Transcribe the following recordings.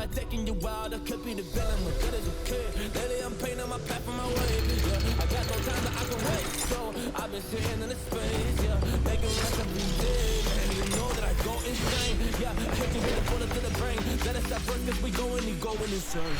mind taking you wild. I could be the villain, but good as a kid. Lately I'm painting my path on my way. Yeah, I got no time that I can wait. So I've been sitting in the space, yeah, making rest every day. And you know that I go insane. Yeah, I hate to hit a bullet to the brain. Let us stop first, cause we going insane.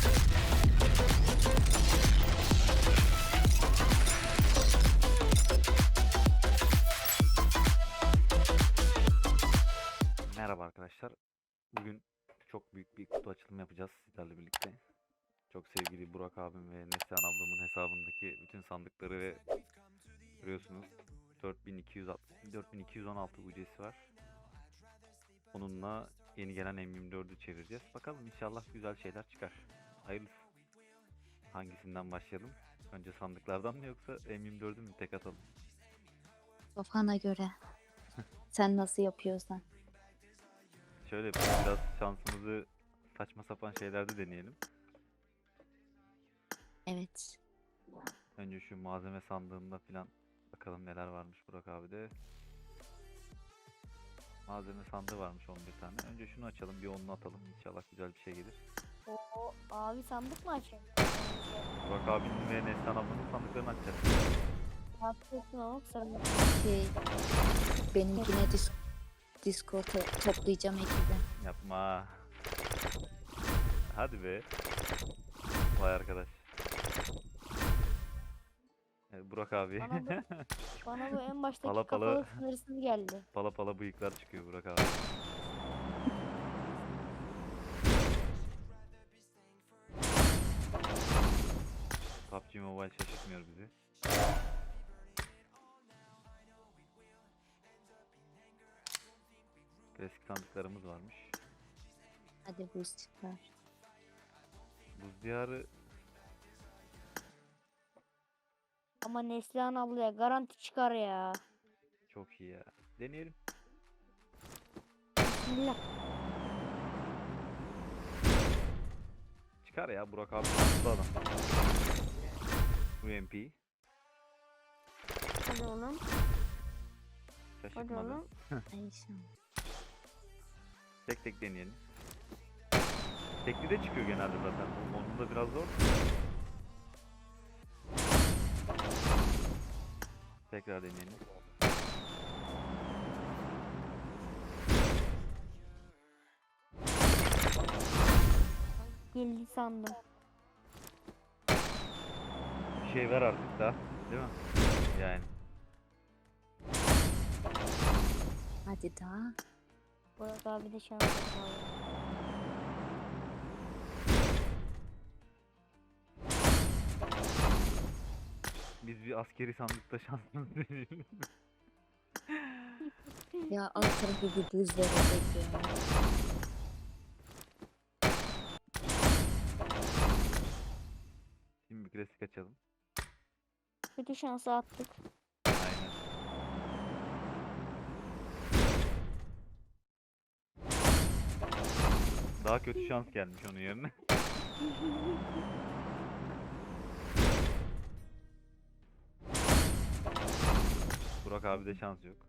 Merhaba arkadaşlar. Bugün çok büyük bir kutu açılımı yapacağız sizlerle birlikte. Çok sevgili Burak abim ve Neslihan ablamın hesabındaki bütün sandıkları ve görüyorsunuz 4216 UC'si var. Onunla yeni gelen M24'ü çevireceğiz. Bakalım inşallah güzel şeyler çıkar. Hayırlısı. Hangisinden başlayalım? Önce sandıklardan mı yoksa M24'ü mü tek atalım? Kafana göre. Sen nasıl yapıyorsan. Şöyle biraz şansımızı saçma sapan şeylerde deneyelim. Evet. Önce şu malzeme sandığında falan bakalım neler varmış Burak abi de. Malzeme sandığı varmış 11 tane. Önce şunu açalım, bir onunu atalım. İnşallah güzel bir şey gelir. O abi sandık mı açayım? Burak abinin ve Neslihan ablanın sandıklarını açacağız. Haklısın oğlum sarılma. Şey, benimkine Discord'a toplayacağım ekibi. Yapma. Hadi be. Vay arkadaş. Burak abi. Bana bu en baştaki Pala pala. kafalı sınırsız geldi. Pala pala bıyıklar çıkıyor Burak abi. PUBG Mobile şaşırtmıyor bizi. Klasik sandıklarımız varmış. Hadi boost çıkar. Buz diyarı Ama Neslihan ablaya garanti çıkar ya. çok iyi ya. Deneyelim. Bismillah. Çıkar ya Burak abi şanslı adam. UMP. Hadi oğlum. Hadi Şaşırtmadı. oğlum. Ay şans. Tek tek deneyelim. Tekli de çıkıyor genelde zaten. Onun da biraz zor. Tekrar deneyelim. Geldi sandım. Bir şey ver artık da. Değil mi? Yani. Hadi daha. Burak abi de şans yapar. Biz bir askeri sandıkta şansımızı deneyelim. Ya alt tarafı bir buz verecek ya. Şimdi bir klasik açalım. Kötü şansı attık. Aynen. Daha kötü şans gelmiş onun yerine. Burak abi de şans yok.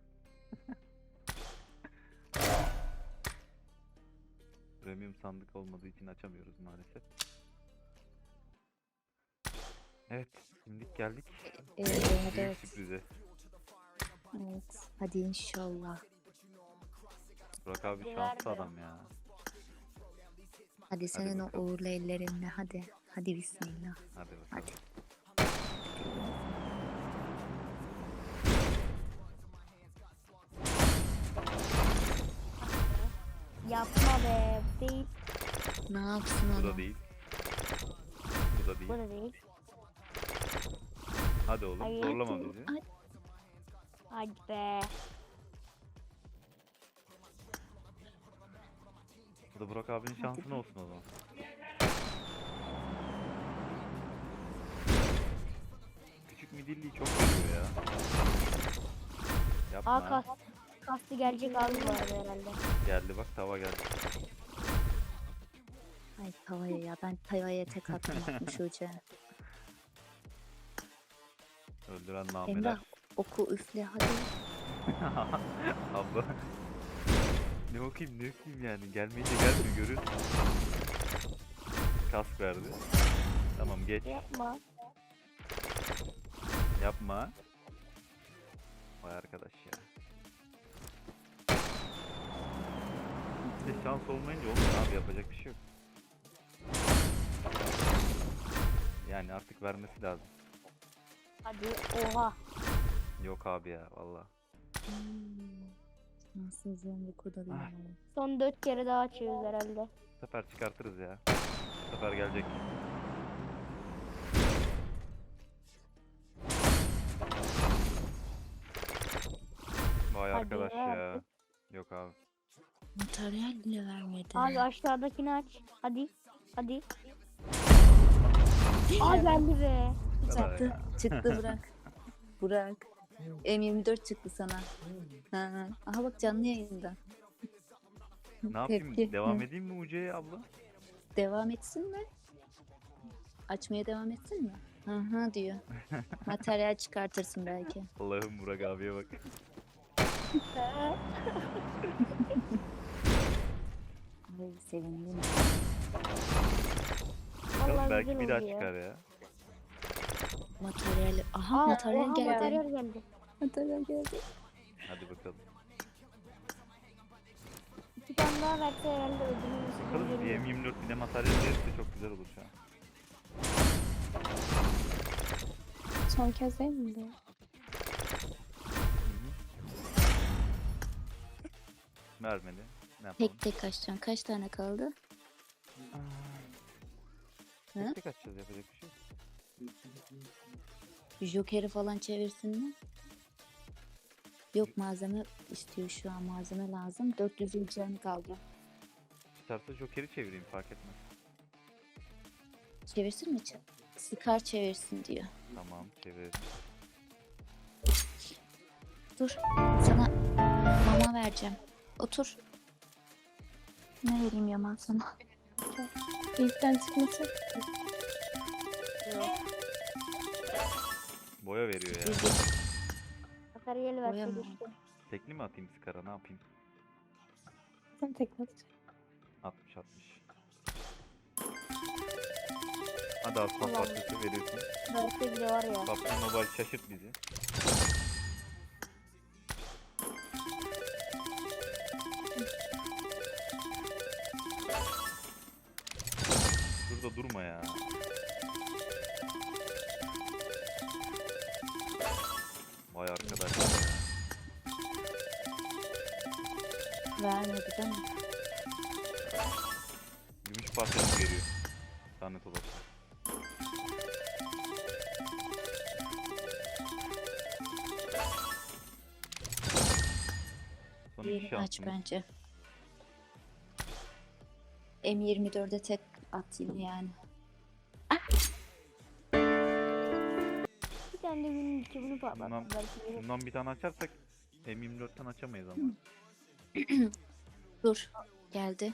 Premium sandık olmadığı için açamıyoruz maalesef. Evet, şimdi geldik büyük Evet. sürprize. Evet. Hadi inşallah. Burak abi Güler şanslı diyor. adam ya. Hadi senin o bakalım. uğurlu ellerinle hadi. Hadi bismillah. Hadi bakalım. Hadi. Yapma be. Değil. Ne yapsın Bu da onu? değil. Bu da Bu değil. da değil. Hadi oğlum Hayır. zorlama bizi. Ay, Hadi be. Bu da Burak abinin şansın olsun o zaman. Küçük midilliyi çok seviyor ya. Yapma. Aa kastı gelecek abi bu arada herhalde. Geldi bak, tava geldi. ay tavaya ya. Ben tavaya tek atmamışım Şuce. Öldüren nameler. Emrah oku üfle hadi. Abla. Ne okuyayım yani, gelmeyince gelmiyor görün. kask verdi. Tamam geç. Yapma. Yapma. Vay arkadaş ya. İşte şans olmayınca olmuyor abi, yapacak bir şey yok. Yani artık vermesi lazım. Hadi oha. Yok abi ya valla. Şanssızlığın bir kodu bile Ah. var. Son 4 kere daha açıyoruz herhalde. Bu sefer çıkartırız ya. Bu sefer gelecek. Vay Hadi arkadaş ya. ya. Yok abi. Materyal bile vermedi. Abi aşağıdakini aç. Hadi. Hadi. Aa geldi be. Bu kadar Çıktı. ya. Çıktı bırak. Bırak. M24 çıktı sana. Ha. Aha bak canlı yayında. Ne yapayım? Tepki. Devam Hı. edeyim mi Uce'ye abla? Devam etsin mi? Açmaya devam etsin mi? Hı hı diyor. Materyal çıkartırsın belki. Allah'ım Burak abiye bak. Ay sevindim. Bakalım Vallahi belki güzel bir daha oldu ya. çıkar ya. Materyal. Aha Aa, materyal oha, geldi. materyal geldi. Materyal geldi. Hadi bakalım. 2 tane daha verse herhalde ödülümüz. Bakalım bir M24 bir de materyal verirse çok güzel olur şu an. Son kez değil mi bu? Hı hı. Vermedi. Ne yapalım? Tek tek açacaksın. Kaç tane kaldı? Hı? Tek tek açacağız, yapacak bir şey yok. Joker'i falan çevirsin mi? Yok malzeme istiyor şu an. Malzeme lazım. 400 yılcağını kaldı. Çıkarsa Joker'i çevireyim, fark etmez. Çevirsin mi? Scar çevirsin diyor. Tamam çevir. Dur. Sana mama vereceğim. Otur. Ne vereyim Yaman sana? İlkten çıkması. Boya veriyor ya. Bilgi. Materyal verse Boyama. geçti. Tekli mi atayım Scar'a, ne yapayım? Sen tekrar. 60 60. Hadi aslan Allah'ım. parçası veriyorsun. Verse bile var ya. PUBG Mobile şaşırt bizi. Şurada durma ya. Vay arkadaş ya. Vermedi değil mi? Gümüş parçası veriyor. Lanet olası. Son iki Diğerini aç şansımız. bence. M24'e tek at yine yani. Bir tane de günün bunu Bundan- patlattı. Belki gelir. Bundan bir tane açarsak M24'ten açamayız ama. Dur. Geldi.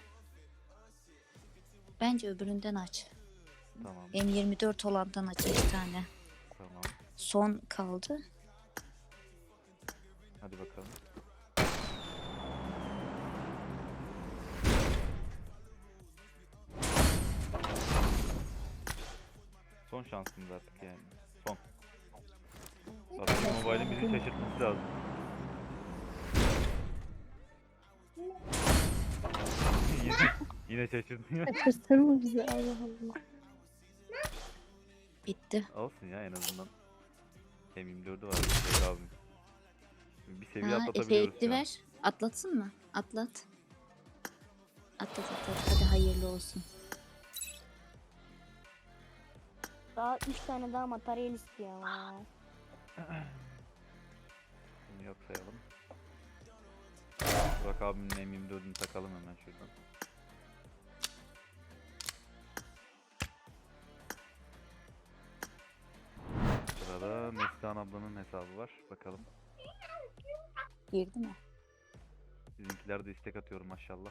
Bence öbüründen aç. Tamam. M24 olandan aç bir tane. Tamam. Son kaldı. Hadi bakalım. Son şansımız artık yani. Son. PUBG Mobile'in bizi şaşırtması lazım. yine, yine şaşırtıyor. Kaçırsın mı bizi? Allah Allah. Bitti. Olsun ya, en azından. M24'ü var. Şey abim. Bir seviye Ha, atlatabiliyoruz efektli şu an. ver. Atlatsın mı? Atlat. Atlat atlat. Hadi hayırlı olsun. Daha 3 tane daha materyal istiyor ama. Bunu yok sayalım. Burak abimin M24'ünü takalım hemen şuradan. Sırada Neslihan ablanın hesabı var. Bakalım. Girdi mi? Sizinkiler de istek atıyorum maşallah.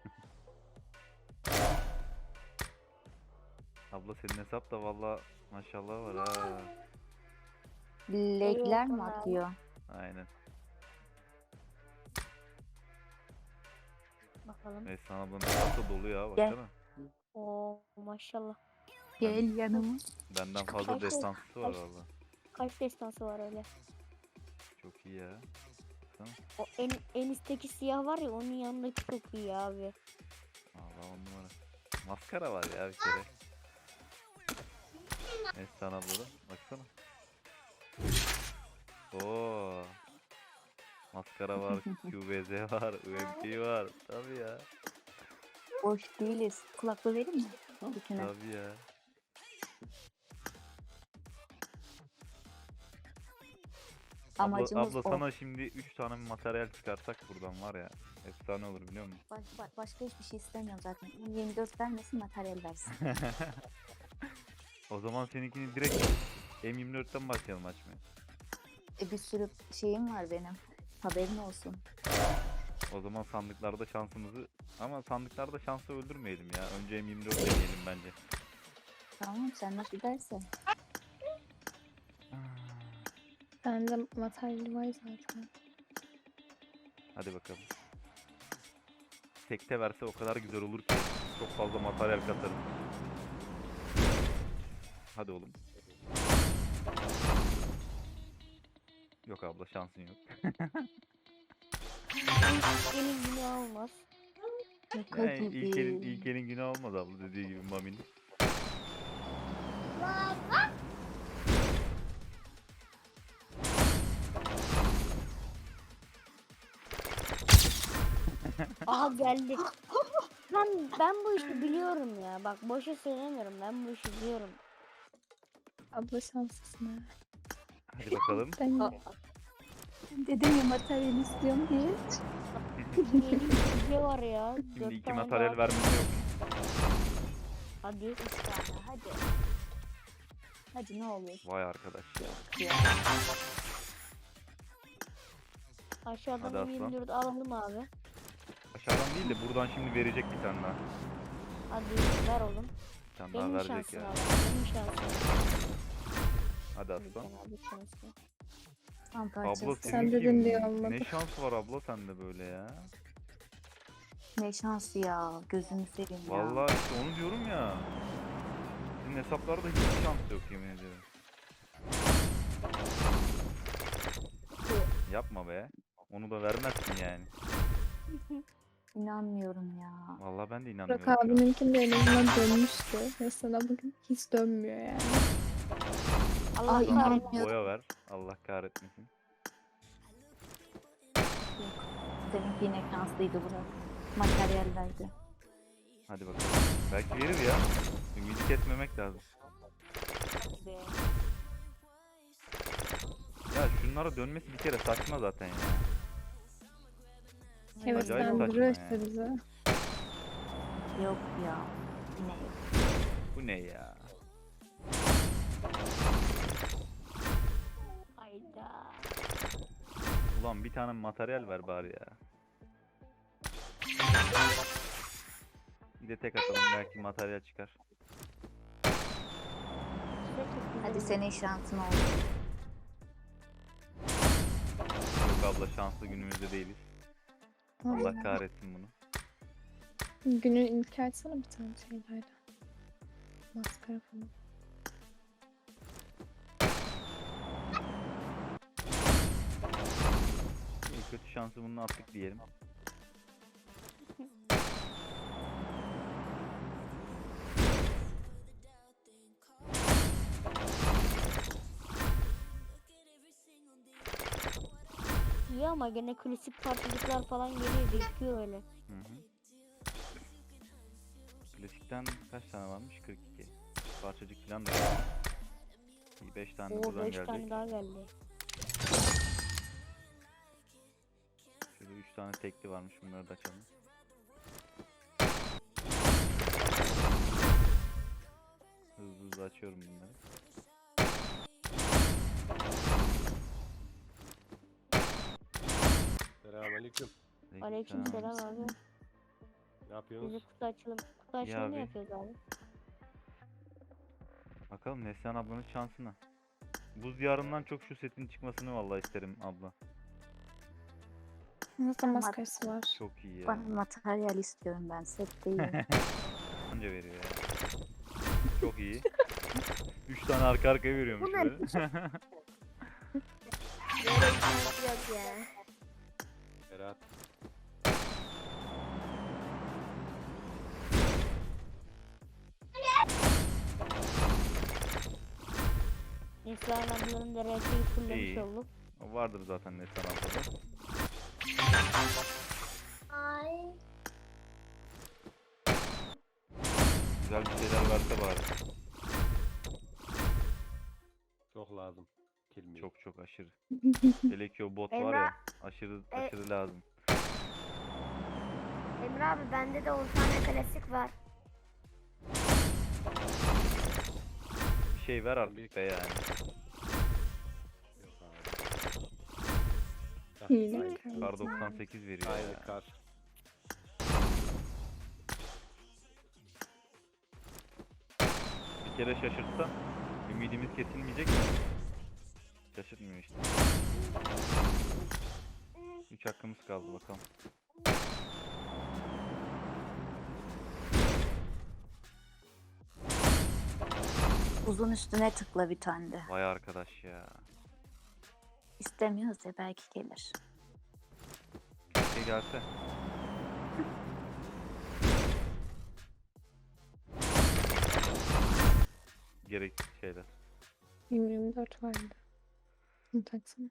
Abla senin hesap da valla maşallah var ha. Legler mi Eyvallah. atıyor? Aynen. Bakalım. Neslihan ablanın hesap da dolu ya, Gel. baksana. Oo maşallah. Gel yanıma. Benden fazla Kaç- destansısı var kaç- valla. Kaç destansı var öyle. Çok iyi ya. Baksana. O en üstteki siyah var ya onun yanındaki çok iyi abi. Valla 10 numara. Maskara var ya bir kere. Neslihan abla da. Baksana. Oo. Maskara var, QBZ var, UMP var. Tabii ya. Boş değiliz. Kulaklığı vereyim mi? Bütüne. Tabii ya. Amacımız abla o. sana şimdi 3 tane materyal çıkarsak buradan var ya. Efsane olur biliyor musun? Başka hiçbir şey istemiyorum zaten. 24 vermesin, materyal versin. O zaman seninkini direkt M24'ten başlayalım açmaya. Bir sürü şeyim var benim. Haberin olsun. O zaman sandıklarda şansımızı... Ama sandıklarda şansı öldürmeyelim ya. Önce M24 deneyelim bence. Tamam, sen nasıl dersen. Bende materyal var zaten. Hadi bakalım. Tekte verse o kadar güzel olur ki. Çok fazla materyal katarım. Hadi oğlum. Yok abla şansın yok. Benim yine olmaz. Şaka Yani gibi. ilkelin günü olmaz abla dediği gibi Mami'nin. Aha geldi. Ben bu işi biliyorum ya. Bak boşa söylemiyorum. Ben bu işi biliyorum. Abla şanslısın ha. Hadi bakalım. Ben Aa, dedim ya materyal istiyorum diye. Yeni bir video var ya. Şimdi 4 2 tane materyal daha- vermesi yok mu? Hadi. 3 tane hadi. Hadi ne olur. Vay arkadaş ya. Ya. Aşağıdan Hadi aslan. 24 alalım abi. Aşağıdan değil de buradan şimdi verecek bir tane daha. Hadi ver oğlum. Bir tane daha Benim verecek şansım ya. abi. Benim şansım. Hadi aslan. Abi şansım. Tam Abla parçası. Sen seninki dedin diye olmadı. ne şans var abla sende böyle ya. Ne şansı ya. Gözünü seveyim ya. Vallahi işte onu diyorum ya. Sizin hesaplarda hiç şans yok yemin ederim. Yapma be. Onu da vermezsin yani. İnanmıyorum ya. Vallahi ben de Burak inanmıyorum. şu an. abininkinde en azından dönmüştü. Mesela bugün hiç dönmüyor yani. Allah Ay, kahretsin. inanmıyorum. Boya ver. Allah kahretmesin. Seninki yine şanslıydı Burak. Materyal verdi. Hadi bakalım. Belki verir ya. Ümidi kesmemek lazım. Be. Ya şunlara dönmesi bir kere saçma zaten ya. Evet Acayip ben saçma duruyor ya. işte bize. Yok ya. Yine yok. Bu ne ya? Hayda. Ulan bir tane materyal ver bari ya. Bir de tek atalım belki materyal çıkar. Hadi senin şansın olsun. Yok abla şanslı günümüzde değiliz. Allah kahretsin bunu. Günün ilk açsana bir tane şeylerle. Maskara falan. En kötü şansı bunu attık diyelim. İyi ama gene klasik parçacıklar falan geliyor. Gözüküyor öyle. Hı hı. Klasikten kaç tane varmış? 42. Parçacık falan da var. 5 tane de Oo buradan 5 gelecek. tane daha geldi. Şurada 3 tane tekli varmış. Bunları da açalım. Hızlı hızlı açıyorum bunları. Selamünaleyküm. Aleykümselam abi. Ne Bize yapıyorsunuz? kutu açalım. Kutu açalım abi. yapıyoruz abi. Bakalım Neslihan ablanın şansına. Buz diyarından çok şu setin çıkmasını vallahi isterim abla. Nasıl maskarası var? Çok iyi ya. Bana materyal istiyorum ben. Set değil. Anca veriyor ya. Çok iyi. 3 tane arka arkaya veriyormuş Bu ne? böyle. Yok ya. Berat. Neslihan ablanın da RP'yi fullemiş İyi. olduk. O vardır zaten Neslihan ablada. Ay. Güzel bir şeyler varsa bari. Çok lazım. Kilmi. Çok aşırı. Hele ki o bot var Emrah, ya. Aşırı lazım. Emre abi bende de 10 tane klasik var. Bir şey ver artık be yani. Yok abi. Ah, Hile. aynı- Kar 98 veriyor Aynı ya. kar. Bir kere şaşırtsa ümidimiz kesilmeyecek mi? Şaşırtmıyor işte. 3 hakkımız kaldı bakalım. Uzun üstüne tıkla bir tane de. Vay arkadaş ya. İstemiyoruz ya belki gelir. Keşke gelse. Gereksiz şeyler. 24 vardı. Bunu taksana.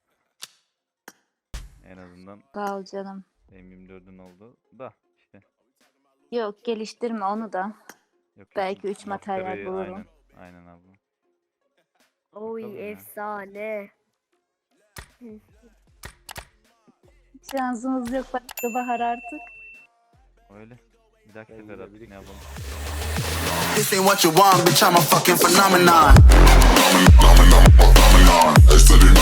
En azından Sağ ol canım. M24'ün oldu da işte. Yok geliştirme onu da. Yok, Belki üç materyal maskarayı- bulurum. Aynen abla. Oy Bakalım ya. efsane. Şansımız yok başka bahar artık. Öyle. Bir dahaki Ben sefer yine artık ne biriktim. yapalım. This ain't what you want, bitch. I'm a fucking phenomenon.